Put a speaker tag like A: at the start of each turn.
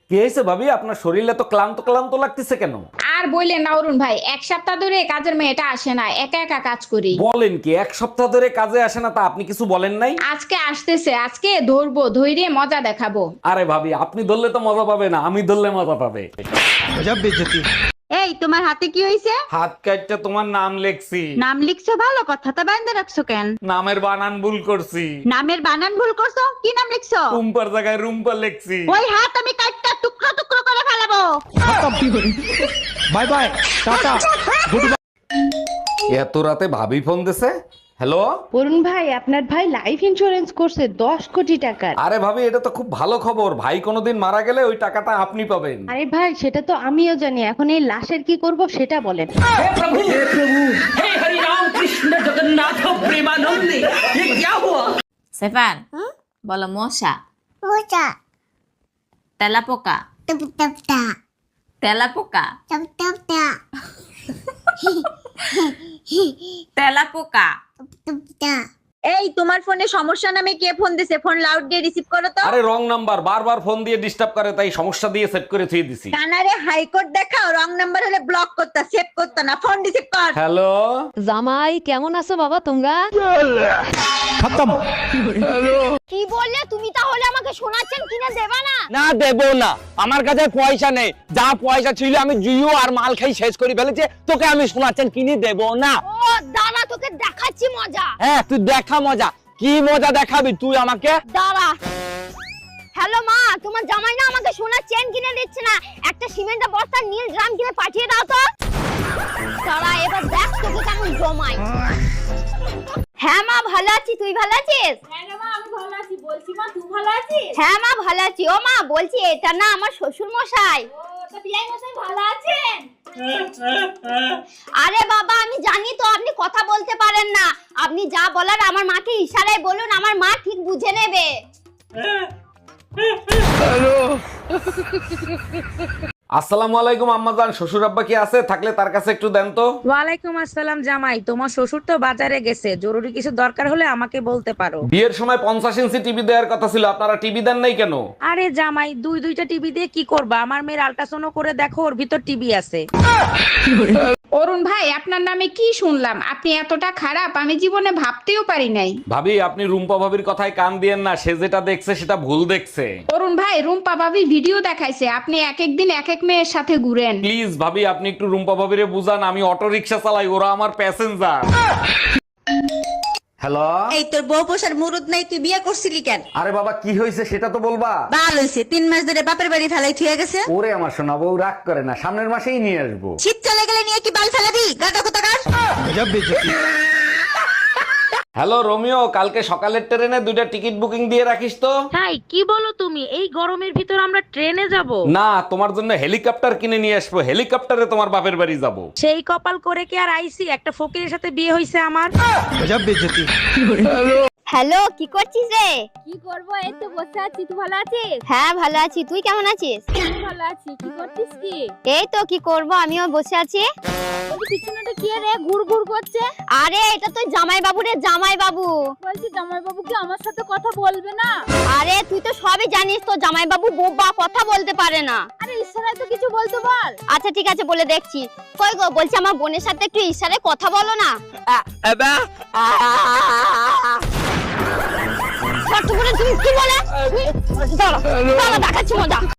A: কি হয়েছে ভাবি, আপনার শরীরে তো ক্লান্ত ক্লান্ত লাগতেছে কেন?
B: আর বললেন না অরুণ ভাই, এক সপ্তাহ ধরে কাজের মেয়েটা আসে না, একা একা কাজ করি।
A: বলেন কি, এক সপ্তাহ ধরে কাজে আসে না? তা আপনি কিছু বলেন নাই?
B: আজকে আসতেছে, আজকে ধরবো, ধৈর্য মজা দেখাবো।
A: আরে ভাবি, আপনি ধরলে তো মজা পাবে না, আমি ধরলে মজা পাবে।
C: এই তোমার হাতে কি হইছে?
A: হাত কাটটা তোমার নাম লেখছি।
C: নাম লিখছো ভালো কথা, তা বাইন্ধে রাখছো কেন?
A: নামের বানান ভুল করছি।
C: নামের বানান ভুল করছো? কি নাম লিখছো?
A: রুম্পার জায়গায় রুম্পা লেখছি।
C: ওই হাত আমি কাটটা টুকরো টুকরো করে ফেলাবো।
D: Bye bye, tata, good bye.
A: এত রাতে ভাবি ফোন দিছে। হ্যালো।
E: অরুণ ভাই, আপনার ভাই লাইফ ইন্সুরেন্স করছে 10 কোটি টাকার।
A: আরে ভাবি, এটা তো খুব ভালো খবর। ভাই কোনোদিন মারা গেলে ওই টাকাটা আপনি পাবেন।
E: আরে ভাই, সেটা তো আমিও জানি, এখন এই লাশের কি করব সেটা বলেন।
F: সেফান বলো মশা
G: মোচা
F: তেলাপোকা
G: টপ টপ টা
F: তেলাপোকা
G: টপ টপ টা
F: তেলাপোকা
G: টপ টপ টা।
C: এই তোমার ফোনে সমস্যা নামে কে ফোন দিছে? ফোন লাউড দিয়ে রিসিভ করো তো।
A: আরে রং নাম্বার, বারবার ফোন দিয়ে ডিস্টার্ব করে, তাই সমস্যা দিয়ে সেট করে থুয়ে দিছি।
C: কানারে হাইকোর্ট দেখাও, রং নাম্বার হলে ব্লক করতা, সেভ করতা না, ফোন রিসিভ কর।
A: হ্যালো।
H: জামাই কেমন আছো বাবা তোমরা?
D: খতম।
G: কি বললে তুমি? তাহলে আমাকে শোনাচ্ছেন কিনা দেবা না?
I: না দেবো না, আমার কাছে পয়সা নেই। যা পয়সা ছিল আমি জুয়ো আর মাল খাই শেষ করে ফেলেছে, তোকে আমি শোনাচ্ছেন কিনে দেবো না।
G: ও দাঁড়া, তোকে দেখাচ্ছি মজা।
I: হ্যাঁ তুই দেখা মজা, কি মজা দেখাবি তুই আমাকে?
G: দাঁড়া। হ্যালো মা, তোমার জামাই না আমাকে সোনার চেন কিনে দিচ্ছে না, একটা সিমেন্টের বস্তা নীল ড্রাম কিনে পাঠিয়ে দাও তো। দাঁড়া, এবার দেখ তোকে কেমন জমাই। হ্যাঁ মা, ভালো আছি, তুই ভালো আছিস?
B: হ্যাঁ মা, আমি ভালো আছি। বলছি মা, তুই ভালো আছিস?
G: হ্যাঁ মা, ভালো আছি। ও মা, বলছি এটা না আমার শ্বশুর মশাই।
B: ও, তা বিয়াই মশাই ভালো আছেন?
G: আরে বাবা, আমি জানি তো আপনি কথা বলতে পারেন না, আপনি যা বলার আমার মাকে ইশারায় বলুন, আমার মা ঠিক বুঝে নেবে।
A: আসসালামু আলাইকুম আম্মাজান, শ্বশুর আব্বা কি আছে? থাকলে তার কাছে একটু দেন তো।
J: ওয়ালাইকুম আসসালাম জামাই, তোমার শ্বশুর তো বাজারে গেছে, জরুরি কিছু দরকার হলে আমাকে বলতে পারো।
A: বিয়ের সময় 50 ইঞ্চি টিভি দেওয়ার কথা ছিল, আপনারা টিভি দেন নাই কেন?
J: আরে জামাই, দুইটা টিভি দিয়ে কি করবা? আমার মেয়ের আল্ট্রাসাউন্ড করে দেখো, ওর ভিতর টিভি আছে।
B: অরুণ ভাই, আপনার নামে কি শুনলাম? আপনি এতটা খারাপ আমি জীবনে ভাবতেও পারি নাই।
A: ভাবি, আপনি রুম্পা ভাবির কথায় কান দিয়েন না, সে যেটা দেখছে সেটা ভুল দেখছে।
B: অরুণ ভাই, রুম্পা ভাবি ভিডিও দেখাইছে, আপনি এক এক দিন এক এক মেয়ের সাথে ঘুরেন।
A: প্লিজ ভাবি, আপনি একটু রুম্পা ভাবিরে বুঝান, আমি অটো রিক্সা চালাই, ওরা আমার প্যাসেঞ্জার। হ্যালো।
C: এই তোর বউ পোষার মুরুদ নাই, তুই বিয়ে করছিলি কেন?
A: আরে বাবা, কি হয়েছে সেটা তো বলবা।
C: বাল হইছে, 3 মাস ধরে বাপের বাড়ি ফেলাই থুয়ে গেছে।
A: ওরে আমার সোনা বউ, রাগ করে না, সামনের মাসেই নিয়ে আসবো।
C: শীত চলে গেলে নিয়ে কি বাল ফেলাবি? গাদা কোথাকার।
D: গজব বেজতি।
A: হ্যালো রোমিও, কালকে সকালের ট্রেনে 2টা টিকিট বুকিং দিয়ে রাখিস তো।
J: তাই কি বলো তুমি? এই গরমের ভিতর আমরা ট্রেনে যাব?
A: না, তোমার জন্য হেলিকপ্টার কিনে নিয়ে আসবো, হেলিকপ্টারে তোমার বাপের বাড়ি যাবো।
J: সেই কপাল করে কি আর আইসি? একটা ফকিরের সাথে বিয়ে হইছে আমার।
D: গজব বেজতি।
G: হ্যালো, কি করছিস রে?
B: কি করবো, এই তো বসে আছি। তুই ভালো আছিস?
G: হ্যাঁ ভালো আছি, তুই কেমন আছিস?
B: ভালো আছি। কি করছিস? কি
G: এই তো, কি করব, আমিও বসে আছি।
B: পিছনেটা কি রে ঘুর ঘুর করছে?
G: আরে এটা তো জামাই বাবু রে, জামাই বাবু।
B: বলছি জামাই বাবু কি আমার সাথে কথা বলবে না?
G: আরে তুই তো সবই জানিস, তো জামাই বাবু বোবা, কথা বলতে পারে না।
B: আরে ইশারায় তো কিছু বলতে বল।
G: আচ্ছা ঠিক আছে, বলে দেখছি। কই গো, বলছি আমার বোনের সাথে একটু ইশারায় কথা বলো না। ছোট্ট বোন, তুমি কি বলে? দাঁড়া, দেখাচ্ছি মজা।